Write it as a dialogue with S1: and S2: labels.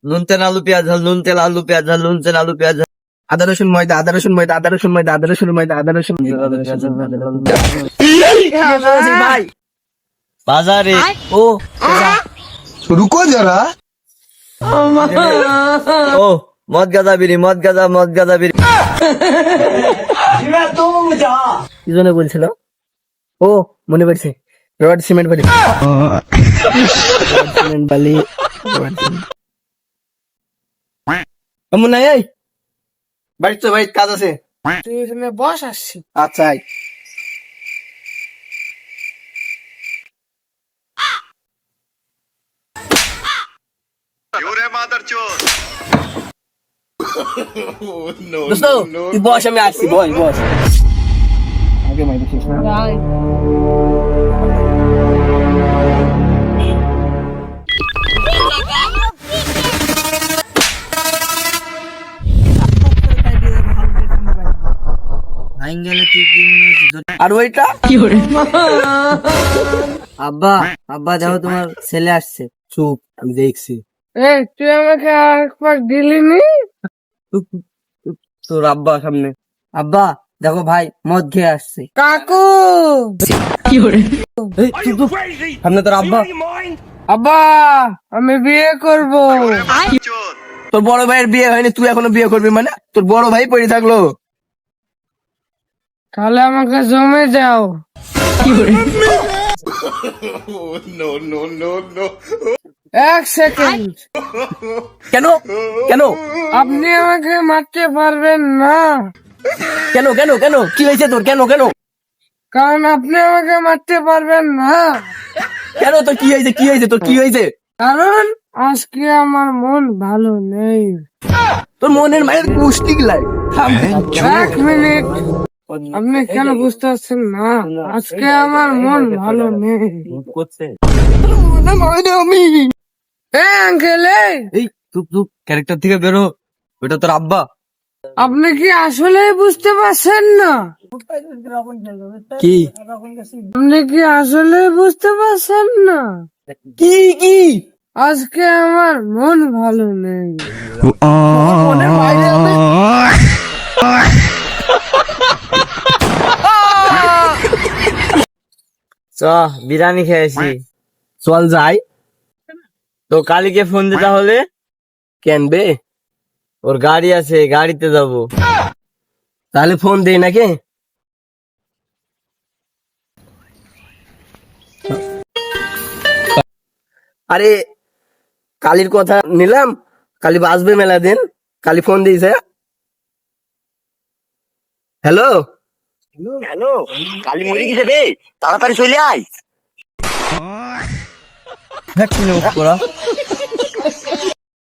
S1: নুন তেল আলু পেঁয়াজ ঝাল, নুন তেল আলু পেঁয়াজ ঝাল, নুন তেল আলু পেঁয়াজ ঝাল।
S2: আদা রসুন ময়দা, আদা রসুন ময়দা, আদা রসুন ময়দা, আদা রসুন ময়দা, আদা রসুন ভাই
S1: বাজারে
S2: ও
S3: रुको जरा।
S1: ও মদ গাঁজা বিড়ি, মদ গাঁজা, মদ গাঁজা বিড়ি।
S2: কি জন্য বলছিল? ও মনে পড়ছে, রড সিমেন্ট বালি, রড সিমেন্ট বালি, রড সিমেন্ট। কেমন নাই এই বাড়ি তো ভাই কাজ আছে,
S4: তুই এখানে বস, আসছি।
S2: আচ্ছা আয়। দোস্ত তুই বস, আমি আসছি, বস বস। আগে মাইরে শেষ না।
S4: আয়।
S2: আর ওইটা
S1: আব্বা, আব্বা যাও, তোমার ছেলে আসছে।
S2: চুপ, আমি দেখছি।
S4: এই তুই আমাকে আরেকবার দিলি নি?
S2: তোর আব্বা সামনে।
S1: আব্বা দেখো ভাই মদ খেয়ে আসছে।
S4: কাকু,
S2: এই, চুপ, চুপ। সামনে তোর আব্বা।
S4: আব্বা আমি বিয়ে করব।
S2: তোর বড় ভাইয়ের বিয়ে হয়নি, তুই এখনো বিয়ে করবি মানে? তোর বড় ভাই পড়ে থাকলো।
S4: তাহলে আমাকে জমে যাও। এক সেকেন্ড,
S2: কেন কেন
S4: আপনি আমাকে মারতে পারবেন না,
S2: কেন কেন কেন কি হয়েছে তোর? কেন কেন
S4: কারণ আপনি আমাকে মারতে পারবেন না,
S2: কেন তোর কি হয়েছে? কি হয়েছে তোর? কি হয়েছে?
S4: কারণ আজকে আমার মন ভালো নেই।
S2: তোর মনের মায়ের পুষ্টি গিলাই।
S4: এক মিনিট, আপনি কেন বুঝতে পারছেন না? আজকে আমার মন ভালো নেই।
S2: আমি
S4: আঙ্কেল,
S2: এই চুপ চুপ, ক্যারেক্টার থেকে বেরো। ওটা তোর আব্বা।
S4: আপনি কি আসলে বুঝতে পারছেন না?
S2: কি
S4: আপনি কি আসলে বুঝতে পারছেন না?
S2: কি কি
S4: আজকে আমার মন ভালো নেই।
S2: মনের মায়ের
S1: চ বিরিয়ানি খেয়েছি।
S2: চল যাই।
S1: তো কালীকে ফোন দে তাহলে,
S2: কেনবে?
S1: ওর গাড়ি আছে, গাড়িতে যাবো।
S2: তাহলে ফোন দেই নাকি? আরে কালির কথা নিলাম, কালি বাসবে মেলা দিন, কালি ফোন দিয়েছে। হ্যালো
S5: হ্যালো, কালি মরে গেছে রে, তাড়াতাড়ি চলে আয়।
S1: ভ্যাকসিন করা